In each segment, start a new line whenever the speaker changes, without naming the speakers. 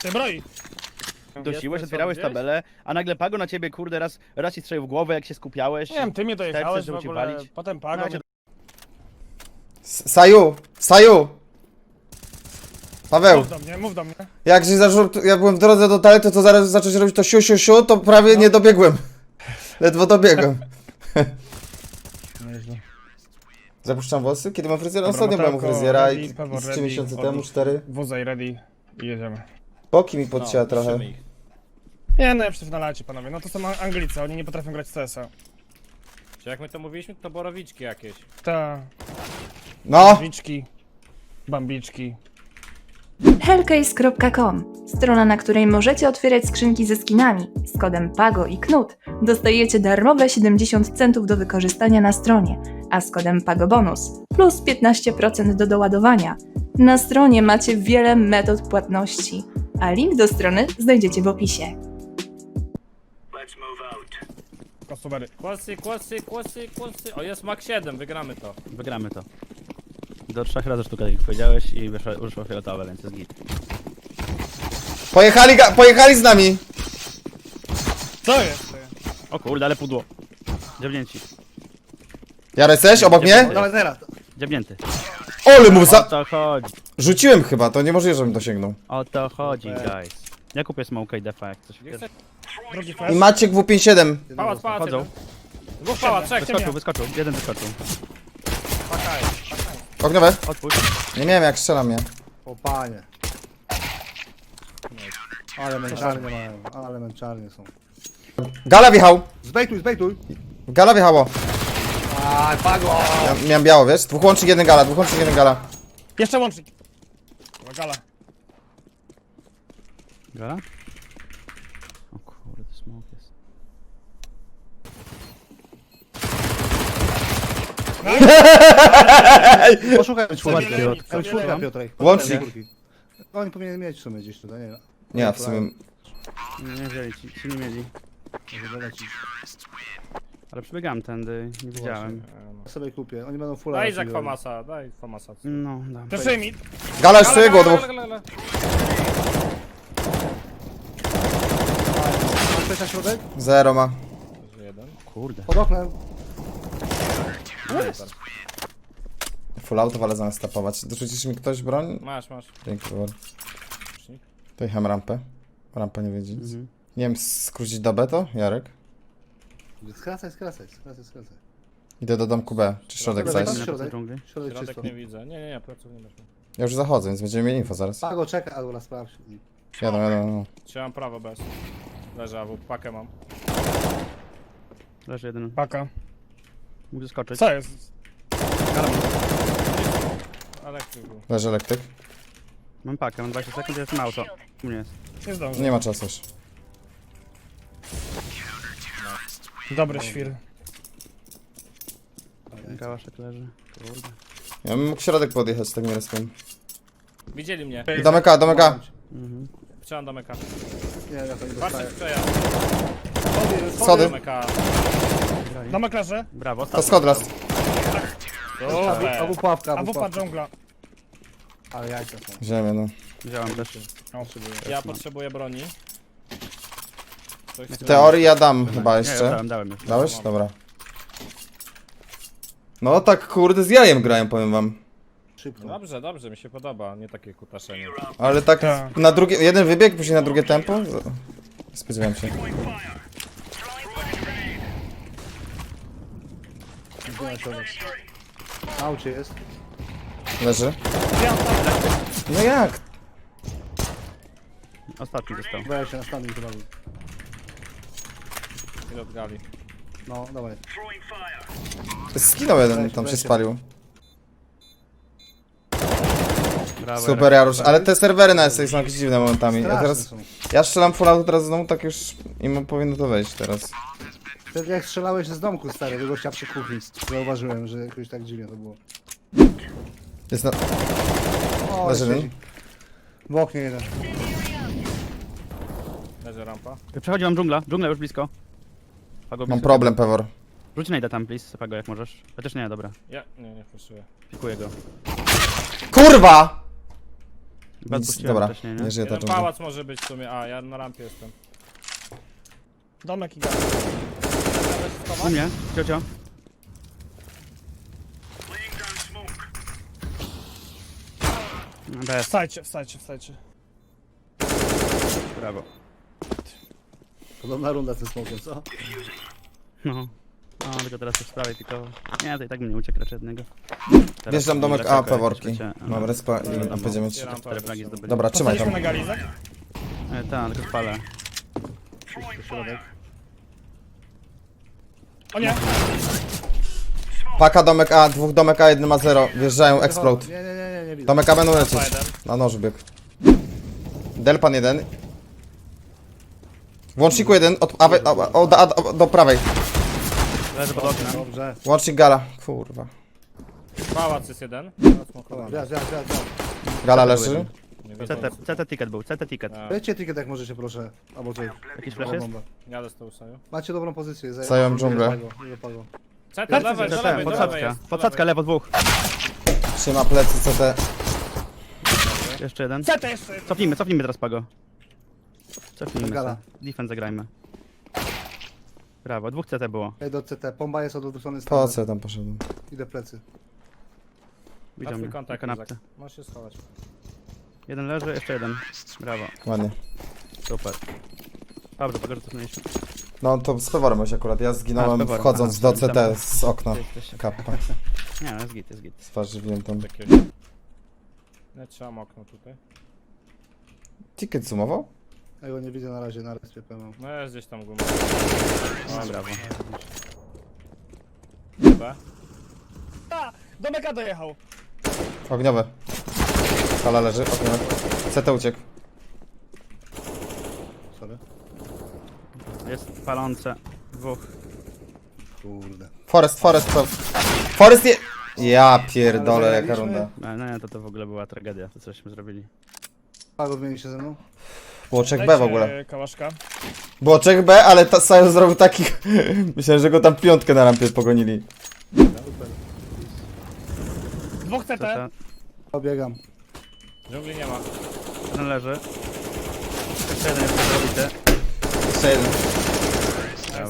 Ty broi.
Dosiłeś, otwierałeś tabelę, a nagle Pago na ciebie, kurde, raz ci strzelił w głowę, jak się skupiałeś.
Nie wiem, ty mnie dojechałeś w
żeby cię
ogóle,
walić.
potem Pago
No,
mnie...
Saju! Saju! Paweł,
Mów do mnie.
jak byłem w drodze do toalety, to zaraz zacząć robić to siu, siu, siu, to prawie nie dobiegłem. Ledwo dobiegłem. Zapuszczam włosy? Kiedy mam fryzjera? Ostatnio byłem u fryzjera i z 3 miesiące temu, 4.
Wózaj ready i jedziemy.
Boki mi podcięła trochę.
Nie, no ja przecież na lecie, panowie. No to są Anglicy, oni nie potrafią grać w CS-a.
Czy jak my to mówiliśmy, to borowiczki jakieś.
Ta,
No!
biczki, bambiczki.
Hellcase.com, strona, na której możecie otwierać skrzynki ze skinami. Z kodem PAGO i KNUT dostajecie darmowe 70 centów do wykorzystania na stronie, a z kodem PAGO bonus plus 15% do doładowania. Na stronie macie wiele metod płatności, a link do strony znajdziecie w opisie.
Kostubery.
Kłosy. O, jest Mac 7, wygramy to.
Wygramy to. Do 3 razy sztuka, jak powiedziałeś, i wyszło fioletowe, więc jest git.
Pojechali z nami!
Co jest?
O kurde, ale pudło. Dziabnięci.
Jarek, jesteś obok mnie?
Dawaj teraz. Dziabnięty.
Ole mu
O
za...
to chodzi.
Rzuciłem chyba, to niemożliwe, żebym dosięgnął.
O to chodzi, guys. Ja kupię smoke i defa, jak coś.
Drugi
I
flash.
Maciek W57.
Pałac,
Chodzą.
jeden. Dwóch pałac, trzech.
Wyskoczył. Jeden wyskoczył.
Ogniowe?
Odpuść.
Nie miałem jak strzela mnie.
O panie. Ale męczarnie mają, ale męczarnie są.
Gala wjechał!
Zbejtuj!
Gala wjechało.
Aj, Pago!
Ja miałem biało, wiesz? Dwóch łącznik, jeden gala.
Jeszcze łącznik. Gala.
Gala? O kurde, smoke jest.
Poszukaj czwórki.
Zabierali.
Czwórka, Piotrek.
Łącznik.
Oni powinien mieć w sumie gdzieś tutaj, nie wiem.
Nie, w sumie...
Nie wzięli ci nie mieli.
Może dolecić.
Ale przebiegałem tędy, nie widziałem.
Ja sobie kupię, oni będą fulla.
Daj za
raczej
Kwamasa, daj Kwamasa.
No, dobra.
Przeszyj mi.
Gala już swojego dwóch.
robić. Masz ktoś na środek?
Zero ma.
Jeden.
Kurde.
Pod oknem.
Full auto, ale zamiast tapować. Dorzucisz mi ktoś broń?
Masz.
Dzięki, Wor. To jechałem rampę. Rampa nie wiedzie nic. Nie wiem, skrócić do B to? Jarek?
Skracaj.
Idę do domku B. Czy środek
Dobra,
zajść?
Na
środek.
dżungli.
Środek
Środek
czysto.
nie widzę. Nie, pleców nie masz.
Ja już zachodzę, więc będziemy mieli info zaraz.
Pago, czeka, albo sprawdź.
Jadą. No.
Trzymam prawo bez. Leży AW, pakę mam.
Leży jeden.
Paka.
Mógł zeskoczyć.
Co jest?
Elektryk był.
Leży elektryk.
Mam pakę, mam 20 sekund, jest auto. U mnie jest.
Nie zdążę.
Nie ma czasu już.
Dobry świr.
Gałaszek leży. Kurde.
Ja bym mógł środek podjechać, tak nie rozumiem.
Widzieli mnie.
Domeka.
Mhm.
Chciałem do meka.
Nie, ja to nie
Patrzcie
dostaję.
w przejazd.
Schody.
Do meka.
Domek leży.
Brawo,
To schod raz.
Super.
Albo pułapka,
A
albo
wupa
pułapka.
dżungla.
Ale jajca są.
Ziemię, no.
Wziąłem też.
Ja potrzebuję broni. Ktoś
W teorii ja dam chyba
Nie,
jeszcze.
dałem już.
Dałeś? Dobra. No tak kurde z jajem grają, powiem wam.
Szybko.
Dobrze, mi się podoba, nie takie kutaszenie.
Ale tak
Tak.
na drugie, jeden wybieg, później na drugie tempo. Spodziewałem się.
Idzie na środek. Na aucie jest.
Leży. No jak?
Ostatni został.
Weź się na standing chyba. był.
Ile od gali.
No, dawaj.
Skinął jeden, tam się spalił.
Brawo.
Super Jarusz, ale te serwery na SX są jakieś dziwne momentami. Ja
Straszne
teraz,
są.
ja strzelam full auto teraz znowu, tak już im powinno to wejść teraz.
Wtedy jak strzelałeś z domku stary, do gościa przy kuchni. Zauważyłem, że jakoś tak dziwnie to było.
Jest na...
O,
Leży
siedzi.
jeden.
W oknie jeden.
Leży rampa.
Przechodzi wam dżungla już blisko. Pago,
Mam
blisko.
problem, Pewor.
Rzuć najda tam, please, Pago, jak możesz. Chociaż nie, dobra.
Ja, nie fuszuję.
Pikuję go.
Kurwa!
Chyba
Nic,
odpuściłem
dobra,
wcześniej, nie?
nie żyje ta
Jeden
dżungla.
pałac może być w sumie, a ja na rampie jestem.
Domek i gaz.
U mnie, ciocio. Bez,
Wstajcie, wstajcie, wstajcie.
brawo.
Podobna runda z tym smokiem, co?
No. No, tylko teraz już sprawy, tylko... Nie, to i tak mnie uciekł raczej jednego. Teraz
Wjeżdżam domek
lecę,
A, Peworki.
lecie,
Mam respa i
Dobra,
będziemy...
Otwieram
Cztery
pałac.
flagi zdobyli.
Dobra, trzymaj
Postaliśmy
tam.
na galizach?
Tak, tylko spalę.
Środek.
O nie!
Paka, domek A, dwóch domek A, jeden ma 0. Wjeżdżają, explode.
Nie widzę.
Domek A będą lecieć.
jeden.
Na noż bieg. Delpan jeden. Włączniku jeden, do prawej.
Leżę pod oknem.
Dobrze.
Łącznik gala. Kurwa.
Pałac jest jeden.
Wjazd.
Gala leży.
Nie wiedzą.
CT ticket był, CT ticket.
A,
Wejdźcie ticket jak możecie, proszę. Albo coś.
Jakiś
Dobra
flash jest?
bomba.
jadę z tą saju.
Macie dobrą pozycję.
Zająłem dżunglę.
CT, do lewej, do
CT,
lewej, do lewej
podsadzka.
jest.
Podsadzka, lewo dwóch.
Trzyma plecy CT.
Jeszcze jeden.
CT jeszcze jeden.
Cofnijmy teraz Pago. Cofnijmy
Gala.
se. Defense zagrajmy. Brawo, dwóch CT było.
Ej, do CT. Pomba jest od odwrócony strony.
Po co ja tam poszedłem?
Idę plecy.
Widział
Twój
mnie, na
kontakt,
kanapce.
Izak. Możesz się schować.
Jeden leży, jeszcze jeden. Brawo,
Ładnie.
super. Dobrze, Pago, że cofnęliśmy.
No to z Peworem już akurat. Ja
A,
zginąłem
z Peworem,
wchodząc
aha,
do
myślałem,
CT z okna.
Ty jesteś-
Kappa.
Nie, no jest git, jest git.
Zważywiłem tam.
Takiego. Nie trzymam okno tutaj.
Ticket sumował?
Ja go nie widzę na razie, na respie pełną.
No jest gdzieś tam guma.
No, brawo.
B.
A! Domek A dojechał.
Ogniowe. Gala leży, ogniowe. CT uciekł.
Sorry.
Jest palące. Dwóch.
Kurde.
Forest. Forest nie... Ja pierdolę,
Ale
jaka
zagraliśmy.
runda.
No nie, to w ogóle była tragedia, to cośmy zrobili.
Pago zmieni się ze mną?
Błoczek B w
Dajcie
ogóle.
Kałaszka.
Błoczek B, ale Sajo zrobił taki... Myślałem, że go tam piątkę na rampie pogonili.
Dwóch CT.
CT.
Obiegam.
Dżungli nie ma.
Jeden leży. Jeszcze jeden jest zrobity.
Jeszcze jeden.
Brawo.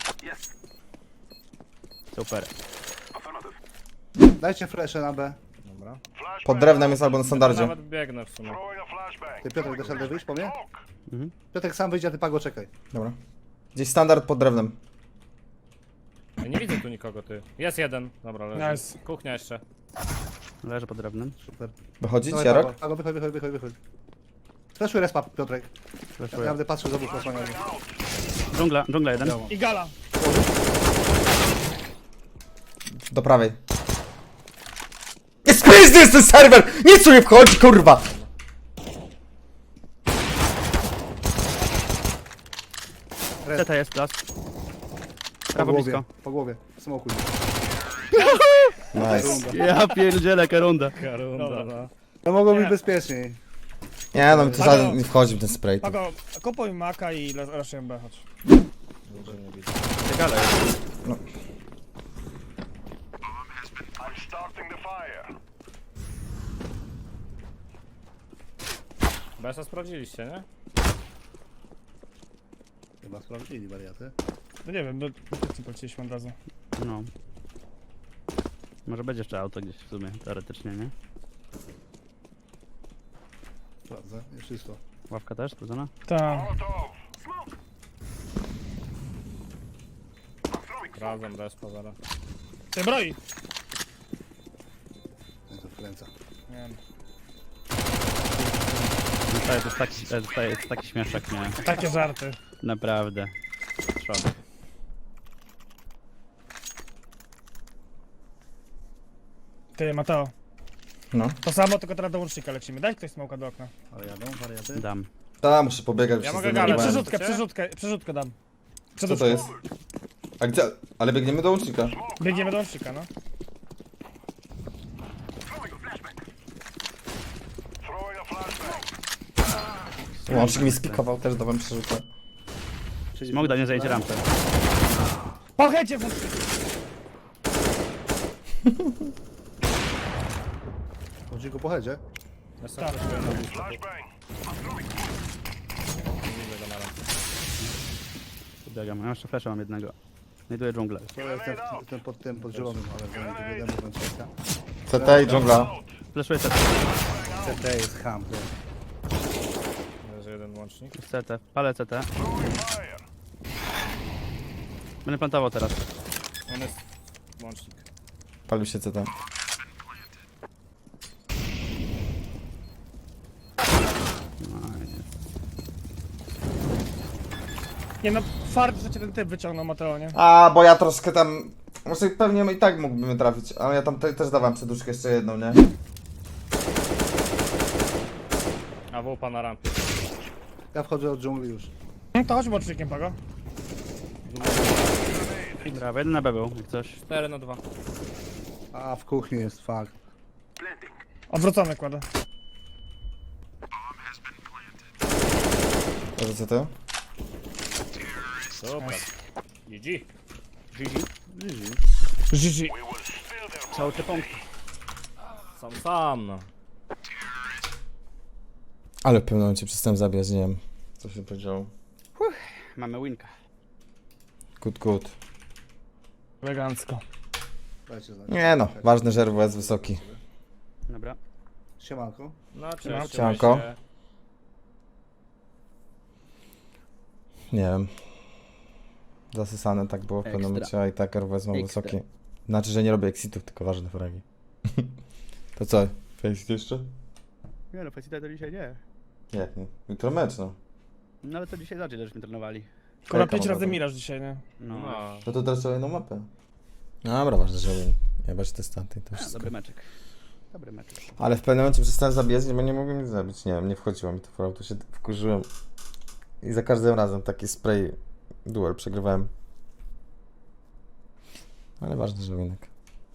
Super.
Dajcie flesze na B.
Dobra.
Pod drewnem jest albo na standardzie.
Nawet biegnę w sumie.
Ty Piotrek, dasz radę wyjść po mnie?
Mhm.
Piotrek sam wyjdzie, a ty Pago czekaj.
Dobra. Gdzieś standard pod drewnem.
Ja nie widzę tu nikogo, ty. Jest jeden. Dobra, leży.
Nice.
Kuchnia jeszcze.
Leży pod drewnem.
Super.
Wychodzić,
Dawaj,
Jarok?
Pago, wychodź. Fleszuj respa, Piotrek. Ja
Fleszuję.
naprawdę patrzę z obu fleszania.
Dżungla jeden.
I gala.
Do prawej. Jest pizdy, jest ten serwer! Nic tu nie wchodzi, kurwa!
CT jest las. Prawo blisko.
Po głowie. Smokuj.
Nice.
Ja pierdzielę, runda.
Karunda, no.
No mogło być
Nie.
bezpieczniej.
Nie no, mi tu żaden nie wchodzi w ten spray.
Pago, kupuj maka i raszuję B, chodź.
Ciekawe.
BS-a sprawdziliście, nie?
Chyba sprawdzili wariaty.
No nie wiem, no nie poleciliśmy od razu.
No. Może będzie jeszcze auto gdzieś w sumie, teoretycznie, nie?
Sprawdzę, jest czysto.
Ławka też, sprawdzona?
Tak.
Sprawdzam respa zaraz.
Ty broi!
Nie, to wkręca.
Nie wiem.
To jest taki śmieszek, nie?
Takie żarty.
Naprawdę. Szok.
Ty, Mateo.
No.
To samo, tylko teraz do łącznika lecimy. Daj ktoś smoka do okna.
Ale jadą wariaty?
Dam.
Ta, muszę pobiegać.
Ja
się
mogę
zdenerwowałem.
galę.
Przerzutkę dam.
Co to jest? A gdzie? Ale biegniemy do łącznika.
Biegniemy do łącznika, no.
Łącznik mi spikował, też dawałem przerzutę.
Smok da nie zajęcie rampę.
Pochęcie w łączniku.
Chodzi go po headzie.
Ja sam
Tak.
flashuję na blisko. Nie widzę go na rampie.
Biegam, ja jeszcze flasha mam jednego. Znajduję dżunglę.
To jest ten pod tym, pod zielonym, ale zanim to wiadomo, ten czeka.
CT i dżungla.
Flashuję CT.
CT jest ham, to.
Leży jeden łącznik.
CT. Palę CT. Będę plantował teraz.
On jest łącznik.
Palił się CT.
Nie no, fart, że cię ten typ wyciągnął, Mateo, nie?
A, bo ja troszkę tam... Może pewnie i tak mógłbym trafić, ale ja tam też dawałem przeduszkę jeszcze jedną, nie?
A wupa na rampie.
Ja wchodzę od dżungli już.
No to chodź łącznikiem, Pago.
Brawo, jeden na B był, jak coś.
4 na 2.
A, w kuchni jest, fuck.
Odwrócony kładę.
Może CT?
Super. GG.
GG.
Cały te punkty.
Sam, no.
Ale w pewnym momencie przestałem zabijać, nie wiem. Co się powiedziało.
Mamy winka.
Good.
Elegancko.
Dajcie znać.
Nie no, ważne, że RW jest wysoki.
Dobra.
Siemanko.
No, cześć.
Siemanko.
się.
Nie wiem. Zasysane tak było w pewnym
Ekstra.
momencie, a i tak RW jest mało
Ekstra.
wysoki. Znaczy, że nie robię exitów, tylko ważne fragi. To co? Exit jeszcze?
Nie no, Facita to dzisiaj nie.
Jak nie? Jutro mecz, no.
No ale to dzisiaj zacznie, żeśmy trenowali.
Kurwa,
Jaka
5 razy
mowa?
miraż dzisiaj, nie?
No.
No.
No to teraz trzeba jedną mapę. Dobra, ważne, że win. Jebać te staty i to wszystko.
Dobry meczek. Dobry meczek.
Ale w pewnym momencie przestałem zabijać, bo nie mogłem nic zabić. Nie wiem, nie wchodziło mi to w auto, się wkurzyłem. I za każdym razem taki spray duel przegrywałem. Ale ważne, że winek.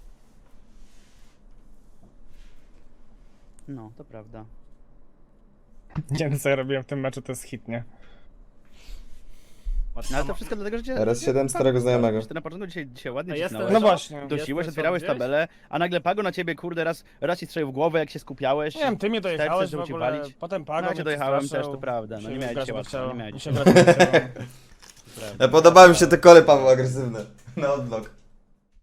No, to prawda.
Nie wiem co ja robiłem w tym meczu, to jest hit, nie?
No ale to wszystko dlatego, że cię...
RS7 starego znajomego.
Ty na początku dzisiaj ładnie
A
cisnąłeś.
jestem-
No właśnie.
Dosiłeś,
Jestem
otwierałeś
gdzieś?
tabelę, a nagle Pago na ciebie, kurde, raz ci strzelił w głowę, jak się skupiałeś.
Nie wiem, ty mnie dojechałeś w
żeby ci
ogóle,
walić.
potem Pago
No, cię
mnie
dojechałem
przestraszył.
też, to prawda, no
Się
nie miałeś
grać
się
nie
łatwo,
chciało.
nie miałeś
Mi
się
się grać nie chciało.
Podobały mi się te kole Pawła agresywne. Na odblok.